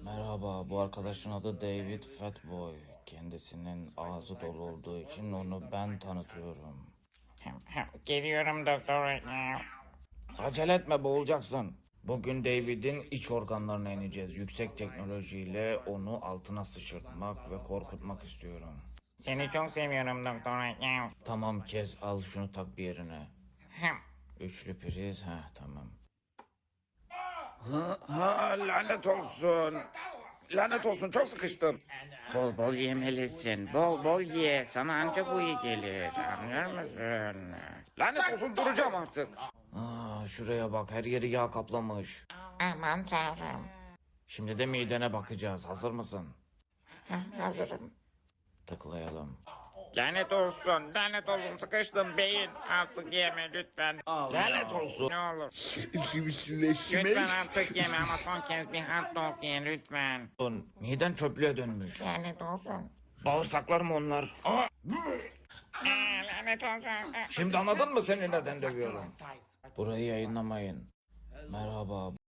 Merhaba, bu arkadaşın adı David Fatboy. Kendisinin ağzı dolu olduğu için onu ben tanıtıyorum. Geliyorum doktor right now. Acele etme, boğulacaksın. Bugün David'in iç organlarına ineceğiz. Yüksek teknolojiyle onu altına sıçırtmak ve korkutmak istiyorum. Seni çok seviyorum doktor right now. Tamam, kes, al şunu, tak bir yerine. Üçlü priz, tamam. Lanet olsun. Lanet olsun, çok sıkıştım. Bol bol yemelisin. Bol bol ye. Sana ancak bu iyi gelir. Anlıyor musun? Lanet olsun, duracağım artık. Şuraya bak, her yeri yağ kaplamış. Aman tanrım. Şimdi de midene bakacağız. Hazır mısın? Hazırım. Tıklayalım. Lanet olsun. Lanet olsun. Sıkıştım beyin. Artık yeme lütfen. Lanet olsun. Ne olur. Lütfen artık yeme ama son kez bir hot dog ye lütfen. Miden çöplüğe dönmüş. Lanet olsun. Bağırsaklarım onlar. Lanet olsun. Şimdi anladın mı seni neden dövüyorum? Burayı yayınlamayın. Merhaba.